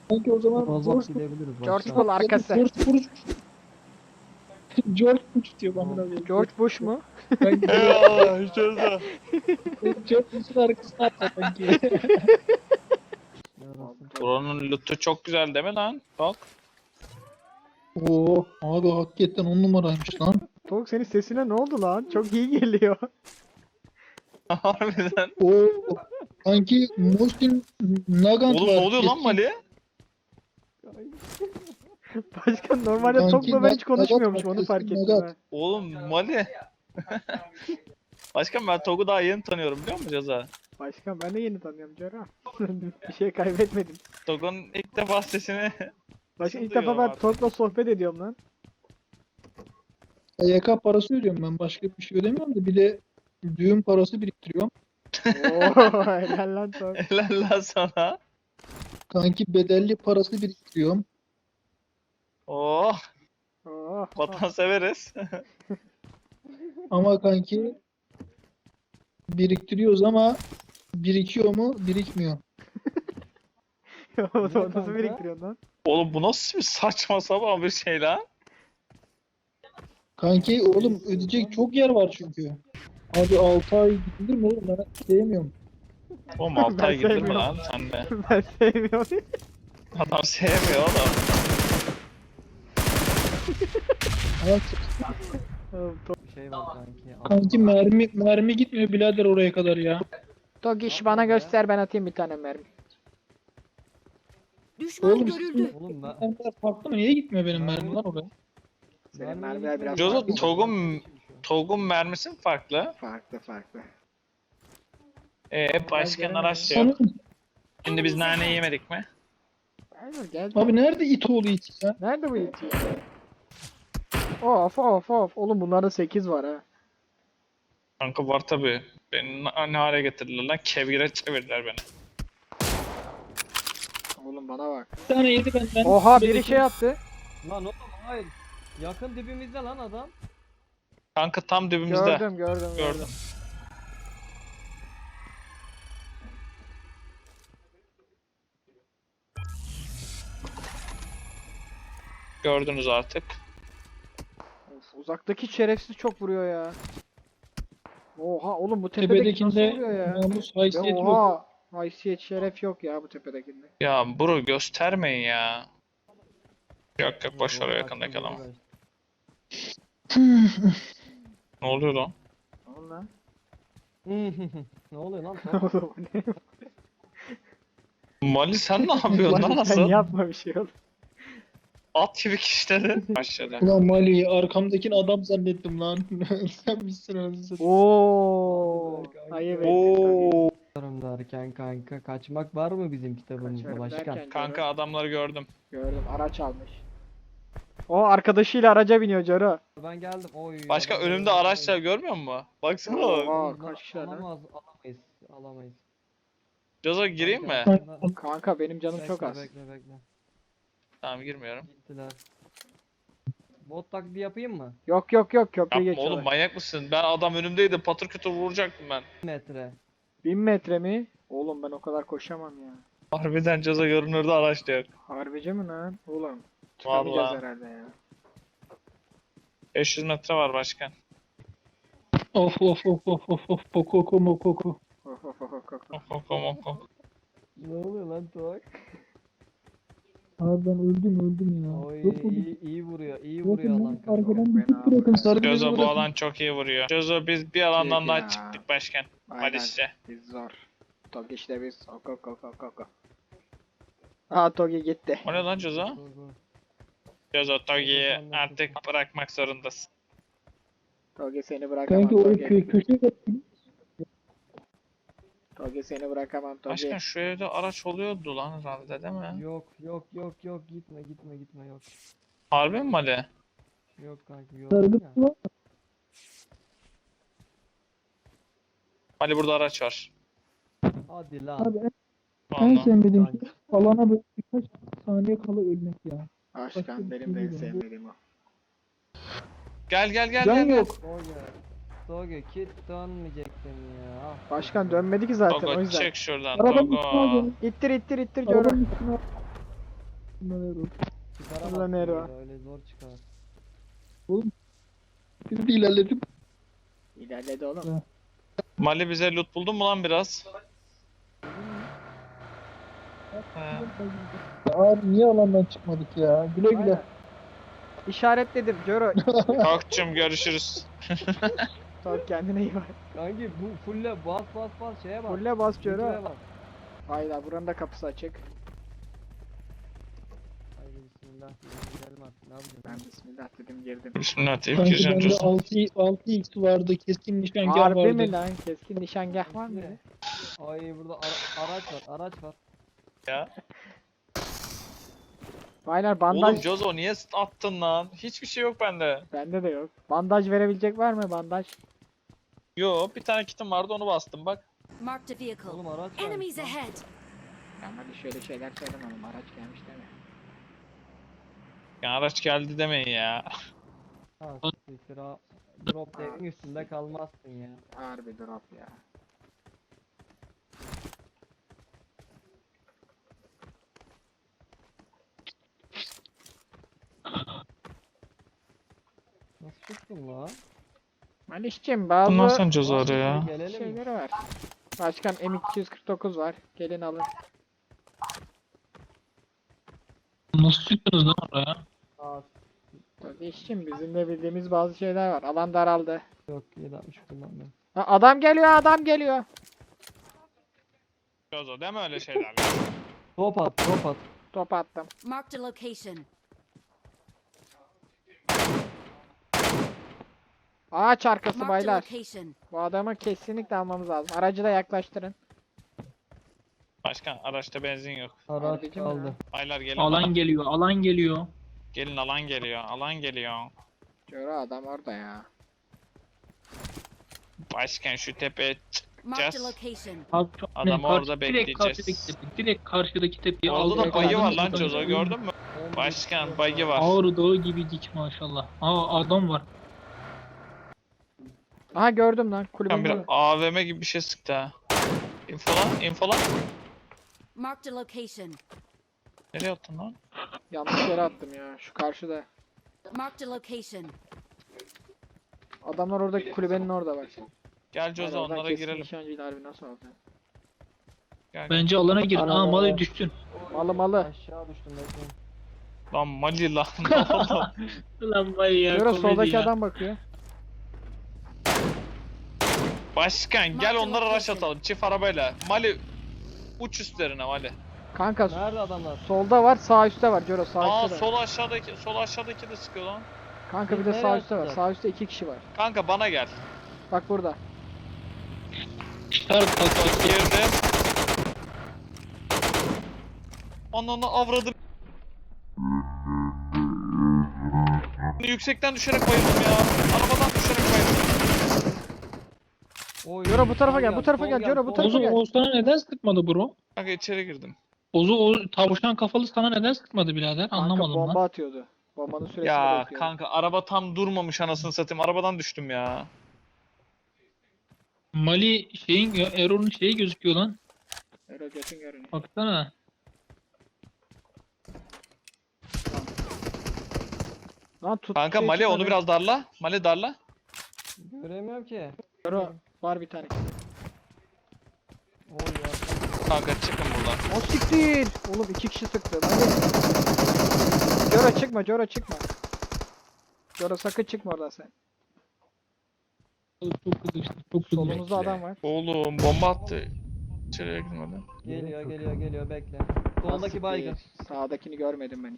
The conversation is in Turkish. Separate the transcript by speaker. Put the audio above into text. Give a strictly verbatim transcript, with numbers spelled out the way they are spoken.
Speaker 1: Sanki o zaman
Speaker 2: Rozok
Speaker 1: George
Speaker 2: gidebiliriz
Speaker 3: George
Speaker 2: başkan.
Speaker 3: Bull arkası.
Speaker 1: George Bush. George Bush diyor bana da.
Speaker 3: George Bush mu?
Speaker 1: Ben
Speaker 4: Eyvallah Jozo.
Speaker 1: George Bush'un arkasına atla sanki.
Speaker 2: Yarasın.
Speaker 4: Buranın lootu çok güzel değil mi lan? Bak.
Speaker 1: Oo abi hakikaten on numaraymış lan.
Speaker 3: Tolga senin sesine ne oldu lan? Çok iyi geliyor.
Speaker 4: Harbiden.
Speaker 1: Oo sanki Muhsin Nagant
Speaker 4: Oğlum
Speaker 1: var.
Speaker 4: ne oluyor lan
Speaker 1: Eski-
Speaker 4: Mali?
Speaker 3: Başkan normalde
Speaker 1: Kanki,
Speaker 3: Tolga'la ben hiç
Speaker 1: Nag-
Speaker 3: konuşmuyormuşum
Speaker 1: Nagat
Speaker 3: onu
Speaker 1: var,
Speaker 3: fark
Speaker 1: eski
Speaker 3: ettim
Speaker 1: Nagat.
Speaker 3: ha.
Speaker 4: Oğlum Mali. Başkan ben Tog'u daha yeni tanıyorum biliyor musun Jozo?
Speaker 3: Başkan ben de yeni tanıyorum Cora. Bir şey kaybetmedim.
Speaker 4: Tog'un ilk defa sesini...
Speaker 3: Başkan ilk
Speaker 4: Duyuyorum
Speaker 3: defa ben
Speaker 4: artık.
Speaker 3: Tolga'la sohbet ediyorum lan.
Speaker 1: Y K parası ödüyorum ben. Başka bir şey ödemiyorum da bir de düğün parası biriktiriyorum.
Speaker 3: Oo helal lan Tolga.
Speaker 4: Helal lan sana.
Speaker 1: Kanki bedelli parası biriktiriyorum.
Speaker 4: Oh
Speaker 3: Oo.
Speaker 4: vatan severiz.
Speaker 1: Ama kanki biriktiriyoruz ama birikiyor mu? Birikmiyor.
Speaker 3: O nasıl
Speaker 2: kanka?
Speaker 3: biriktiriyorsun lan?
Speaker 4: Oğlum bu nasıl bir saçma sapan bir şey lan?
Speaker 1: Kanki oğlum ödeyecek çok yer var çünkü. Abi altı ay gidilir mi oğlum? Ben sevmiyorum.
Speaker 4: Oğlum altı
Speaker 3: Ben
Speaker 4: ay gidilir mi
Speaker 3: sevmiyorum.
Speaker 4: lan sen de?
Speaker 3: Ben sevmiyorum.
Speaker 4: Adam sevmiyor oğlum.
Speaker 1: Ama
Speaker 3: Oğlum, Tolga-
Speaker 2: Bir şey var kanki.
Speaker 1: kanki mermi mermi gitmiyor birader oraya kadar ya.
Speaker 3: Tolga iş bana göster ben atayım bir tane mermi.
Speaker 5: Düşman
Speaker 1: Oğlum
Speaker 5: görüldü.
Speaker 2: Oğlum ben...
Speaker 1: mermiler farklı mı? Niye gitmiyor benim mermim lan oraya?
Speaker 3: Senin
Speaker 2: mermi
Speaker 3: mermiler biraz
Speaker 2: gitmiyor.
Speaker 4: Jozo
Speaker 3: farklı.
Speaker 4: Tog'un Tog'un mermisi mi farklı?
Speaker 3: Farklı farklı.
Speaker 4: Ee başkanın
Speaker 3: gelemedim.
Speaker 4: araç da yok.
Speaker 1: Anam,
Speaker 4: Şimdi biz nane yemedik mi?
Speaker 3: Hayır gel.
Speaker 1: abi nerede it oğlu it ya?
Speaker 3: Nerede bu iti? Of of of. Oğlum bunlarda sekiz var ha.
Speaker 4: Kanka var tabi. Beni na- ne hale getirdiler lan? Kevgire çevirdiler beni.
Speaker 3: Oğlum bana bak.
Speaker 1: Bir tane yedi benden.
Speaker 3: Oha biri şey attı.
Speaker 2: Lan oğlum hayır. Yakın dibimizde lan adam.
Speaker 4: Kanka tam dibimizde.
Speaker 3: Gördüm gördüm gördüm.
Speaker 4: Gördüm. Gördünüz artık.
Speaker 3: Of, uzaktaki şerefsiz çok vuruyor ya. Oha oğlum bu tepedeki nasıl
Speaker 1: Tepedekinde
Speaker 3: vuruyor ya?
Speaker 1: namus
Speaker 3: Ya
Speaker 1: haysiyet yok.
Speaker 3: oha. Haysiyet şeref yok ya bu tepedekinde.
Speaker 4: Ya bro göstermeyin ya. Yok yok boş ver o
Speaker 2: Oğlum,
Speaker 4: yakındaki
Speaker 2: kaçtı,
Speaker 4: adamı.
Speaker 2: kaçtı.
Speaker 4: Ne oluyor lan?
Speaker 3: Ne oldu lan?
Speaker 2: Ne oluyor lan?
Speaker 3: Oğlum bu ne?
Speaker 4: Mali sen ne yapıyorsun lan
Speaker 3: Lan sen
Speaker 4: asıl?
Speaker 3: yapma bir şey oğlum.
Speaker 4: At gibi kişileri. Başladı.
Speaker 1: Ulan Mali arkamdakini adam zannettim lan. Sen misin anasını?
Speaker 3: Oo. Ayıp ettin
Speaker 4: Oo.
Speaker 2: Kaçarım derken kanka kaçmak var mı bizim kitabımızda
Speaker 3: Kaçarım
Speaker 2: başkan?
Speaker 3: derken
Speaker 4: Kanka
Speaker 3: Coro.
Speaker 4: adamları gördüm.
Speaker 3: Gördüm araç almış. O arkadaşıyla araca biniyor Coro.
Speaker 2: Ben geldim. Oy.
Speaker 4: Başka
Speaker 2: adam-
Speaker 4: önümde araçlar görmüyor musun? Baksana bak.
Speaker 3: Oha
Speaker 2: Oğlum,
Speaker 3: kaç kişiler lan?
Speaker 2: Alamaz, alamayız. Alamayız.
Speaker 4: Jozo gireyim mi?
Speaker 2: Kanka,
Speaker 3: Kanka benim canım çok
Speaker 2: bekle,
Speaker 3: az.
Speaker 2: Bekle bekle.
Speaker 4: Tamam girmiyorum.
Speaker 2: Gittiler. Bot taklidi yapayım mı?
Speaker 3: Yok yok yok köprüyü
Speaker 4: Yapma oğlum
Speaker 3: geçiyorlar.
Speaker 4: manyak mısın? Ben adam önümdeydi patır kütür vuracaktım ben.
Speaker 2: Metre.
Speaker 3: Bin metre mi? Oğlum ben o kadar koşamam ya.
Speaker 4: Harbiden Jozo görünürde araç diyor.
Speaker 3: Harbici mi lan? Oğlum. Çıkamayacağız
Speaker 4: Vallahi.
Speaker 3: herhalde ya.
Speaker 4: beş yüz metre var başkan.
Speaker 1: Of of of of of of pokoko mokoko.
Speaker 3: Of of of of of.
Speaker 4: Oh, oh, oh, oh.
Speaker 2: Ne oluyor lan Tuğak?
Speaker 1: Abi ben öldüm öldüm ya.
Speaker 2: Oy
Speaker 1: Yok mu?
Speaker 2: iyi, iyi vuruyor, iyi
Speaker 1: Yok
Speaker 2: vuruyor
Speaker 1: mu?
Speaker 2: lan kanka.
Speaker 1: Arkadan bir
Speaker 3: Fena
Speaker 1: tık bırakın sarı beni
Speaker 4: Jozo bu
Speaker 1: bırakın.
Speaker 4: alan çok iyi vuruyor. Jozo biz bir alandan
Speaker 3: Çek
Speaker 4: daha
Speaker 3: ya.
Speaker 4: çıktık başkan.
Speaker 3: Aynen.
Speaker 4: Malis'e.
Speaker 3: Biz zor. Togi işte biz. Ok ok ok ok ok. Aa Togi gitti.
Speaker 4: O ne lan Jozo?
Speaker 2: Dur, dur.
Speaker 4: Jozo Togi'yi artık bırakmak zorundasın.
Speaker 3: Togi seni bırakamam
Speaker 1: Kanki o
Speaker 3: Togi.
Speaker 1: kö köşeye bak.
Speaker 3: Togi seni bırakamam Togi.
Speaker 4: Başkan şu evde araç oluyordu lan herhalde değil mi?
Speaker 2: Yok yok yok yok gitme gitme gitme yok.
Speaker 4: Harbi mi Mali?
Speaker 2: Yok kanka yok.
Speaker 1: Sargı
Speaker 2: ya.
Speaker 1: var.
Speaker 4: Mali burada araç var.
Speaker 2: Hadi lan.
Speaker 1: Abi en, en
Speaker 4: Vallahi.
Speaker 1: sevmediğim şey alana böyle birkaç saniye kala ölmek ya.
Speaker 3: Başkan benim de en sevmediğim o.
Speaker 4: Gel gel gel
Speaker 1: Can
Speaker 4: gel.
Speaker 1: yok.
Speaker 2: Soge. Soge kit dönmeyecektin ya. Ah.
Speaker 3: Başkan dönmedi ki zaten o
Speaker 4: Togo
Speaker 3: yüzden.
Speaker 4: çek şuradan
Speaker 1: Arabanın
Speaker 4: Togo.
Speaker 1: üstüne al beni.
Speaker 3: İttir ittir ittir Coro.
Speaker 1: Arabanın üstüne al. Bunlar Erol.
Speaker 2: Çıkaramazsın
Speaker 3: Ulan Ero.
Speaker 2: böyle, öyle zor çıkar.
Speaker 1: Biz de ilerledim.
Speaker 3: İlerledi oğlum.
Speaker 4: Mali bize loot buldun mu lan biraz? He.
Speaker 1: Abi niye alandan çıkmadık ya? Güle güle.
Speaker 3: Aynen. İşaretledim Coro.
Speaker 4: Kalkçım görüşürüz.
Speaker 3: Tamam kendine iyi bak.
Speaker 2: Kanki bu fulle bas bas bas şeye bak.
Speaker 3: Fulle bas
Speaker 2: Zincire
Speaker 3: Coro.
Speaker 2: bak.
Speaker 3: Hayda buranın da kapısı açık.
Speaker 2: Haydi bismillah diyelim, gidelim artık, ne yapacağız?
Speaker 3: Ben bismillah dedim girdim.
Speaker 4: Bismillah deyip
Speaker 1: Sanki
Speaker 4: gireceğim
Speaker 1: bende
Speaker 4: diyorsun.
Speaker 1: altı x vardı. Keskin nişangah
Speaker 3: Harbi
Speaker 1: vardı.
Speaker 3: mi lan? Keskin nişangah var mı?
Speaker 2: Ne? Ay burada ara- araç var, araç var.
Speaker 4: Ya.
Speaker 3: Baylar bandaj
Speaker 4: Oğlum Jozo niye attın lan? Hiçbir şey yok bende.
Speaker 3: bende de yok. Bandaj verebilecek var mı bandaj?
Speaker 4: Yo, bir tane kitim vardı onu bastım bak.
Speaker 5: Marked a vehicle.
Speaker 2: Oğlum araç var.
Speaker 5: Enemies ahead.
Speaker 3: Ya hadi şöyle şeyler söyleme oğlum araç gelmiş deme.
Speaker 4: Ya araç geldi demeyin ya.
Speaker 2: Ha siktir ha. Drop deck'in üstünde kalmazsın ya.
Speaker 3: Harbi drop ya.
Speaker 2: Nasıl çıktın lan?
Speaker 3: Malişçim bazı
Speaker 4: Bundan sonra Jozo arıyor ya.
Speaker 2: Gelelim mi?
Speaker 3: şeyleri var. Başkan M iki yüz kırk dokuz var. Gelin alın.
Speaker 1: Nasıl çıktınız lan oraya?
Speaker 2: Aa,
Speaker 3: Kardeşim bizim de bildiğimiz bazı şeyler var. Alan daraldı.
Speaker 2: yok yedi altmış kullanmıyorum.
Speaker 3: Ha, adam geliyor adam geliyor.
Speaker 4: Jozo deme öyle şeyler.
Speaker 2: Top at, top at.
Speaker 3: Top attım.
Speaker 5: Marked a location.
Speaker 3: Ağaç arkası
Speaker 5: Marked a
Speaker 3: baylar.
Speaker 5: location.
Speaker 3: Bu adamı kesinlikle almamız lazım. Aracı da yaklaştırın.
Speaker 4: Başkan araçta benzin yok.
Speaker 2: Araç
Speaker 3: Harbici mi
Speaker 2: kaldı.
Speaker 3: lan?
Speaker 4: Baylar gelin
Speaker 1: Alan
Speaker 4: bana.
Speaker 1: geliyor, alan geliyor.
Speaker 4: Gelin alan geliyor, alan geliyor.
Speaker 3: Coro adam orada ya.
Speaker 4: Başkan şu tepeye
Speaker 5: Marked a
Speaker 4: çıkacağız.
Speaker 5: location.
Speaker 1: Abi çok
Speaker 4: Adamı
Speaker 1: karşı-
Speaker 4: orada
Speaker 1: direkt
Speaker 4: bekleyeceğiz.
Speaker 1: karşıdaki tepe, direkt karşıdaki tepeyi
Speaker 4: Orada
Speaker 1: aldık.
Speaker 4: da bayı var lan
Speaker 1: Adamın
Speaker 4: Jozo
Speaker 1: oradan-
Speaker 4: gördün mü? Başkan bayı var.
Speaker 1: Ağrı Dağı gibi dik maşallah. Aa adam var.
Speaker 3: Aha gördüm lan
Speaker 4: Başkan
Speaker 3: kulübün
Speaker 4: bir
Speaker 3: önü.
Speaker 4: A V M gibi bir şey sıktı ha. Infolan, infolan.
Speaker 5: Marked a location.
Speaker 4: Nereye attın lan?
Speaker 3: Yanlış yere attım ya. Şu karşıda.
Speaker 5: Marked a location.
Speaker 3: Adamlar oradaki kulübenin orada bak.
Speaker 4: Gel Jozo
Speaker 3: Oradan
Speaker 4: onlara
Speaker 3: keskin
Speaker 4: girelim.
Speaker 3: nişancıyla harbi nasıl oldu?
Speaker 4: Gel.
Speaker 1: Bence alana girin. Aa
Speaker 3: Arada-
Speaker 1: malı düştün.
Speaker 3: Malı malı.
Speaker 2: Aşağı düştüm bekleyin.
Speaker 4: Lan Mali lan. Ne oldu?
Speaker 1: Ulan vay ya.
Speaker 3: Coro
Speaker 1: komedi
Speaker 3: soldaki
Speaker 1: ya.
Speaker 3: adam bakıyor.
Speaker 4: Başkan gel
Speaker 5: Marked
Speaker 4: onlara rush
Speaker 5: location.
Speaker 4: atalım çift arabayla. Mali uç üstlerine Mali.
Speaker 3: Kanka
Speaker 2: Nerede adamlar?
Speaker 3: solda var sağ üstte var Coro sağ
Speaker 4: Aa
Speaker 3: üstte de.
Speaker 4: sol aşağıdaki sol aşağıdaki de sıkıyor lan.
Speaker 3: Kanka bir de
Speaker 2: Nereye
Speaker 3: sağ üstte var.
Speaker 2: attılar?
Speaker 3: Sağ üstte iki kişi var.
Speaker 4: Kanka bana gel.
Speaker 3: Bak burada.
Speaker 1: Çıkar kalk.
Speaker 4: Girdim. Ananı avradım. Yüksekten düşerek bayıldım ya. Arabadan düşerek bayıldım.
Speaker 2: Oy,
Speaker 3: Coro bu tarafa
Speaker 2: sol
Speaker 3: gel, bu tarafa
Speaker 2: sol
Speaker 3: gel, Coro, bu
Speaker 2: sol
Speaker 3: tarafa
Speaker 1: Ozu
Speaker 3: gel.
Speaker 1: Oğuz sana neden sıkmadı bro?
Speaker 4: Kanka içeri girdim.
Speaker 1: Ozu o tavşan kafalı sana neden sıkmadı birader?
Speaker 3: Kanka
Speaker 1: Anlamadım
Speaker 3: bomba
Speaker 1: lan.
Speaker 3: atıyordu. Bombanın süresini
Speaker 4: Ya
Speaker 3: bekliyordu.
Speaker 4: kanka araba tam durmamış anasını satayım. Arabadan düştüm ya.
Speaker 1: Mali şeyin Erol'un şeyi gözüküyor lan.
Speaker 3: Öyle götün görünüyor.
Speaker 1: Baksana.
Speaker 3: Lan tut.
Speaker 4: Kanka
Speaker 3: şey
Speaker 4: Mali onu
Speaker 3: çıkmadı.
Speaker 4: biraz darla. Mali darla.
Speaker 2: Göremiyorum ki.
Speaker 3: Coro var bir tane.
Speaker 2: Oy ya.
Speaker 4: Kanka çıkın buradan.
Speaker 3: O siktir. Oğlum iki kişi sıktı. Hadi. Coro çıkma, Coro çıkma. Coro sakın çıkma oradan sen.
Speaker 1: Çok kızıştı. Çok kızıştı.
Speaker 3: Solumuzda adam var.
Speaker 4: Oğlum bomba attı. İçeriye girmedi.
Speaker 2: Geliyor geliyor geliyor bekle. Soldaki
Speaker 3: Siktir.
Speaker 2: baygın.
Speaker 3: Sağdakini görmedim ben